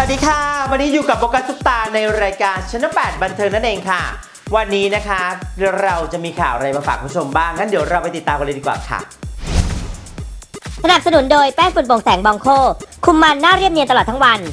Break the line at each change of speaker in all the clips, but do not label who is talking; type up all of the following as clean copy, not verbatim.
ดีค่ะวันนี้อยู่กับโฟกัสซุปตาในรายการชั้น8บันเทิงนั่นเองค่ะวันนี้นะคะเราจะมีข่าวอะไรมาฝากคุณผู้ชมบ้างงั้นเดี๋ยวเราไปติดตามกันเลยดีกว่าค่ะ
สนับสนุนโดยแป้งฝุ่นโปร่งแสงบองโคคุมมันหน้าเรียบเนียนตลอดทั้งวัน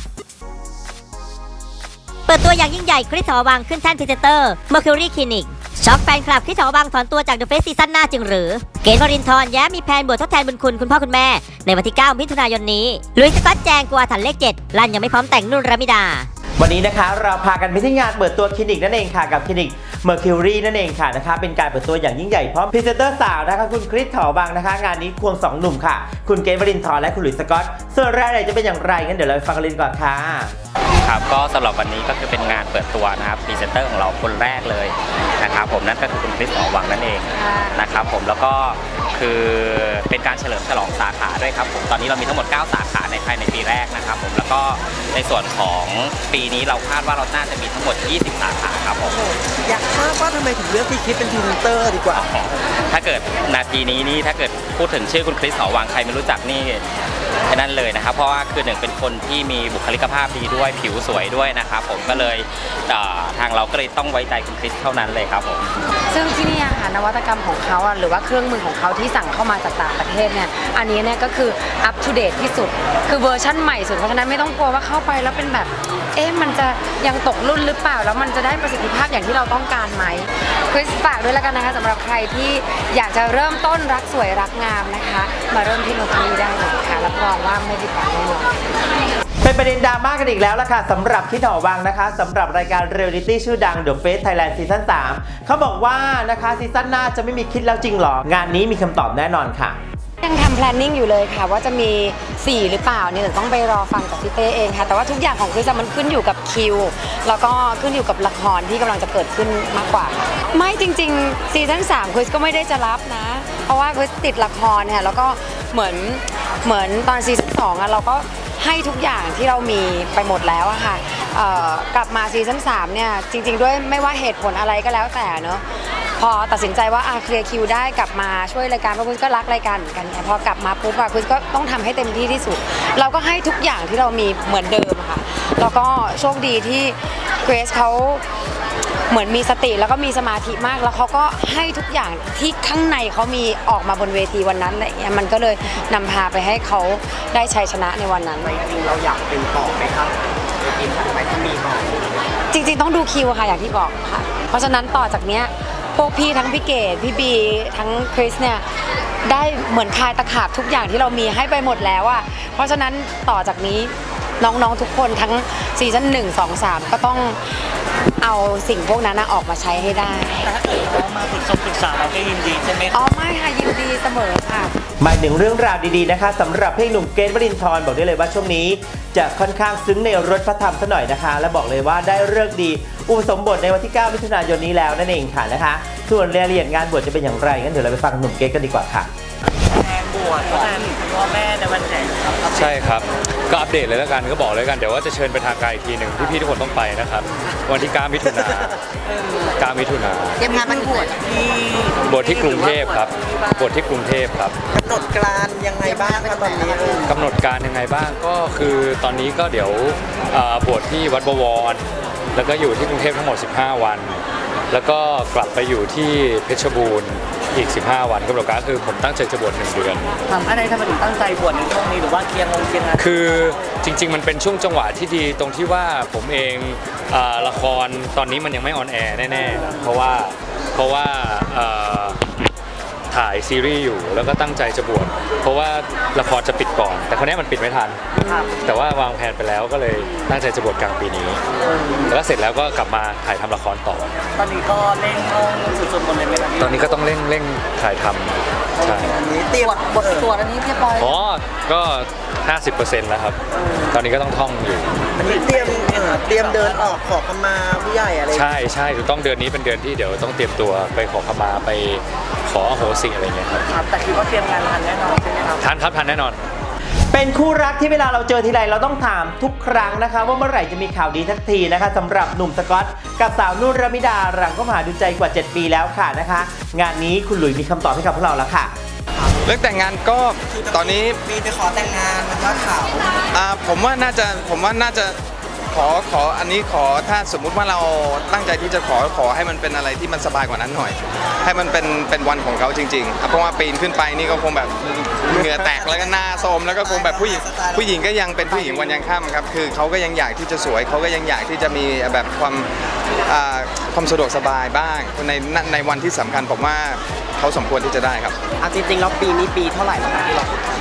เปิดตัวอย่างยิ่งใหญ่คริส หอวังขึ้นแท่นพรีเซนเตอร์ Mercury Clinic ช็อกแฟนคลับคริส หอวังถอนตัวจาก The Face ซีซั่นหน้าจึงหรือเกณฑ์วรินทร์แย้มมีแผนบวชทดแทนบุญคุณพ่อคุณแม่ในวันที่ 9 มิถุนายนนี้ลุยสก๊อตแจงกลัวถันเลข 7 ลั่นยังไม่พร้อมแต่งนุ่นรมิดา
วันนี้นะคะเราพากันไปที่งานเปิดตัวคลินิกนั่นเองค่ะกับคลินิก Mercury นั่นเองค่ะนะคะเป็นการเปิดตัวอย่างยิ่งใหญ่พร้อมพรีเซนเตอร์สาวนะคะคุณคริส หอวังนะคะงานนี้ควง2หนุ่มค่ะคุณเกณฑ์วรินทร์และคุณหลุยส์สก๊อตส่วนรายละเอียดจะเป็นอย่างไรงั้นเดี๋ยวเราไปฟังกันเลยก่อนค่ะ
ครับก็สำหรับวันนี้ก็คือเป็นงานเปิดตัวนะครับพรีเซนเตอร์ของเราคนแรกเลยนะครับผมนั่นก็คือคุณคริส หอวังนั่นเองนะครับผมแล้วก็คือเป็นการเฉลิมฉลองสาขาด้วยครับผมตอนนี้เรามีทั้งหมด9สาขาในภายในปีแรกนะครับผมแล้วก็ในส่วนของปีนี้เราคาดว่าเราน่าจะมีทั้งหมด20สาขาครับผม
อยากทราบว่าทำไมถึงเลือกพี่คริสเป็นพรีเซนเตอร์ดีกว่า
ถ้าเกิดนาทีนี้นี่ถ้าเกิดพูดถึงชื่อคุณคริส หอวังใครไม่รู้จักนี่แค่นั้นเลยนะครับเพราะว่าคือหนึ่งเป็นคนที่มีบุคลิกภาพดีด้วยผิวสวยด้วยนะครับผมก็เลยทางเราก็เลยต้องไว้ใจคุณคริสเท่านั้นเลยครับผม
ซึ่งที่นี่ค่ะนวัตกรรมของเขาหรือว่าเครื่องมือของเขาที่สั่งเข้ามาจากต่างประเทศเนี่ยอันนี้เนี่ยก็คืออัปทูเดตที่สุดคือเวอร์ชั่นใหม่สุดเพราะฉะนั้นไม่ต้องกลัวว่าเข้าไปแล้วเป็นแบบมันจะยังตกรุ่นหรือเปล่าแล้วมันจะได้ประสิทธิภาพอย่างที่เราต้องการไหมคริสฝากด้วยแล้วกันนะคะสำหรับใครที่อยากจะเริ่มต้นรักสวยรักงามนะคะมาเริ่มที่โนคารีได้เลยค่ะรับรองว่าไม่ผิดหวังแน่นอน
เป็นประเด็นดราม่ากันอีกแล้วล่ะค่ะสำหรับคริส หอวังนะคะสำหรับรายการเรียลลิตี้ชื่อดัง The Face Thailand ซีซั่น3เขาบอกว่านะคะซีซั่นหน้าจะไม่มีคิดแล้วจริงหรองานนี้มีคำตอบแน่นอนค่ะ
ยังทำ planning อยู่เลยค่ะว่าจะมี4หรือเปล่าเนี่ยต้องไปรอฟังจากพี่เต้เองค่ะแต่ว่าทุกอย่างของคริสมันขึ้นอยู่กับคิวแล้วก็ขึ้นอยู่กับละครที่กำลังจะเกิดขึ้นมากกว่าไม่จริงๆซีซั่น3คริสก็ไม่ได้จะรับนะเพราะว่าคริสติดละครค่ะแล้วก็เหมือนตอนซีซั่น2เราก็ให้ทุกอย่างที่เรามีไปหมดแล้วอะค่ะกลับมาซีซั่น3เนี่ยจริงๆด้วยไม่ว่าเหตุผลอะไรก็แล้วแต่เนอะพอตัดสินใจว่าเคลียร์คิวได้กลับมาช่วยรายการเพราะคุณก็รักรายการเหมือนกันพอกลับมาปุ๊บคุณก็ต้องทำให้เต็มที่ที่สุดเราก็ให้ทุกอย่างที่เรามีเหมือนเดิมค่ะแล้วก็โชคดีที่เกรซเขาเหมือนมีสติแล้วก็มีสมาธิมากแล้วเขาก็ให้ทุกอย่างที่ข้างในเขามีออกมาบนเวทีวันนั้นอะไรเงี้ยมันก็เลยนำพาไปให้เขาได้ชัยชนะในวันนั้น
จริงเราอยากเป็นต่อไหมครับทีมถัดไปที่มีต่อ
จริงๆต้องดูคิวค่ะอย่างที่บอกค่ะเพราะฉะนั้นต่อจากเนี้ยพวกพี่ทั้งพี่เกดพี่บีทั้งคริสเนี่ยได้เหมือนคายตะขาบทุกอย่างที่เรามีให้ไปหมดแล้วอ่ะเพราะฉะนั้นต่อจากนี้น้องๆทุกคนทั้งซีซั่น1 2 3ก็ต้องเอาสิ่งพวกนั้นออกมาใช้ให้ได้
ถ้าเกิดเขามาปรึกษาเราก็ยินดีใช่ไหม
ไม่ค่ะยินดีเสมอค่ะ
หมายถึงเรื่องราวดีๆนะคะสำหรับเพลงหนุ่มเกณฑ์วรินทร์บอกได้เลยว่าช่วงนี้จะค่อนข้างซึ้งในรถพระธรรมซะหน่อยนะคะและบอกเลยว่าได้ฤกษ์ดีอุปสมบทในวันที่ 9 มิถุนายนนี้แล้วนั่นเองค่ะนะคะส่วนรายละเอียดงานบวชจะเป็นอย่างไรงั้นเดี๋ยวเราไปฟังหนุ่มเกณฑ์กันดีกว่าค่ะ
แทนบวชแทนพ่อแม่ในวันไหน
ใช่ครับก็อัปเดตเลยแล้วกันก็บอกเลยกันเดี๋ยวว่าจะเชิญไปทางไกลอีกทีหนึ่งพี่ๆทุกคนต้องไปนะครับวันที่ 9 มิถุนายน9 มิถุนายน
เตรียมงานมัน
บวชที่กรุงเทพครับบวชที่กรุงเทพครับ
กำหนดการยังไงบ้างครับตอนนี้
กำหนดการยังไงบ้างก็คือตอนนี้ก็เดี๋ยวบวชที่วัดบวรแล้วก็อยู่ที่กรุงเทพทั้งหมด15 วันแล้วก็กลับไปอยู่ที่เพชรบูรณ์อีก15 วันกำหนดการคือผมตั้งใจจะบวช1 เดือน
ทำอะไรทำไมถึงตั้งใจบวชในช่วงนี้หรือว่าเคลียร์งาน
คือจริงๆมันเป็นช่วงจังหวะที่ดีตรงที่ว่าผมเองละครตอนนี้มันยังไม่ออนแอร์แน่ๆเพราะว่าถ่ายซีรีส์อยู่แล้วก็ตั้งใจจะบวชเพราะว่าละครจะปิดก่อนแต่คราวนี้มันปิดไม่ทันแต่ว่าวางแผนไปแล้วก็เลยตั้งใจจะบวชกลางปีนี้แล้วเสร็จแล้วก็กลับมาถ่ายทำละครต่อ
ตอนนี้ก็เร่งสุดๆหมดเลยไหมครับ
ตอนนี้ก็ต้องเร่งถ่ายทำใช่
เตรียมบทสวดอันนี้เรียบร้อย
ก็ 50% แล้วครับตอนนี้ก็ต้องท่องอยู่
อันนี้เตรียมเดินออกขอขมาผู้ใหญ่อะไร
ใช่ถูกต้องเดือนนี้เป็นเดือนที่เดี๋ยวต้องเตรียมตัวไปขอขมาไปขออโหสิอะไรเงี้ย
ครับแต่คิดว่าเตรียมงานทันแน่นอนใช่ไหมครับ
ทันแน่นอน
เป็นคู่รักที่เวลาเราเจอทีไรเราต้องถามทุกครั้งนะคะว่าเมื่อไหร่จะมีข่าวดีทักทีนะคะสำหรับหนุ่มสก๊อตกับสาวนุ่นรมิดาหลังก็มาดูใจกว่า7 ปีแล้วค่ะนะคะงานนี้คุณหลุยมีคำตอบให้กับพวกเราแล้วค่ะ
เรื่องแต่งงานก็ตอนนี้
มีไปขอแต่งงานมันว่าข่าว
ผมว่าน่าจะขออันนี้ขอถ้าสมมุติว่าเราตั้งใจที่จะขอให้มันเป็นอะไรที่มันสบายกว่านั้นหน่อย ให้มันเป็นวันของเขาจริงๆเพราะว่าปีนขึ้นไปนี่ก็คงแบบเหงื่อแตกแล้วก็หน้าโทรมแล้วก็คงแบบผู้หญิงก็ยังเป็นผู้หญิงวันยังค่ำครับคือเขาก็ยังอยากที่จะสวยเขาก็ยังอยากที่จะมีแบบความสะดวกสบายบ้างในวันที่สำคัญผมว่าเขาสมควรที่จะได้ครับ
จริงๆแล้วปีนี้ปีเท่าไหร่แล้วครับที่เรา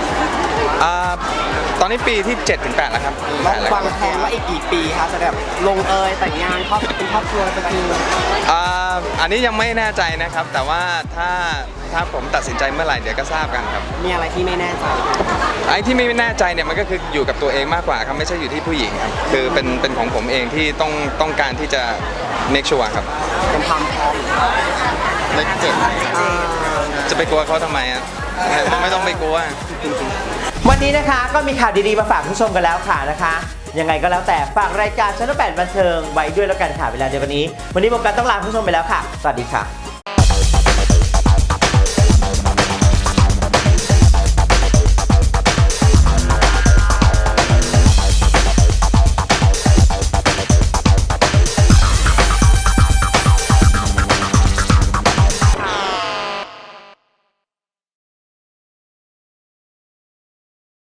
ตอนนี้ปีที่ 7-8 แล้วครับ
วางแผนว่าอีกกี่ปีคะจะแบบลงเอยแต่งงานเป็นครอบครัวเป็นทีม
อันนี้ยังไม่แน่ใจนะครับ แต่ว่าถ้าผมตัดสินใจเมื่อไหร่เดี๋ยวก็ทราบกันครับ
มีอะไรที่ไม่แน่ใจ
ไอ้ที่ไม่แน่ใจเนี่ยมันก็คืออยู่กับตัวเองมากกว่าครับไม่ใช่อยู่ที่ผู้หญิงครับคือเป็นของผมเองที่ต้องการที่จะ make sure ครับ
เป็นความพร้อม
เลข 7จะไปกลัวเขาทำไมอ่ะไม่ต้องไปกลัว
วันนี้นะคะก็มีข่าวดีๆมาฝากผู้ชมกันแล้วค่ะนะคะ ยังไงก็แล้วแต่ฝากรายการชั้น8บันเทิงไว้ด้วยแล้วกันค่ะเวลาเดียวกันนี้วันนี้โมกันต้องลาผู้ชมไปแล้วค่ะสวัสดีค่ะ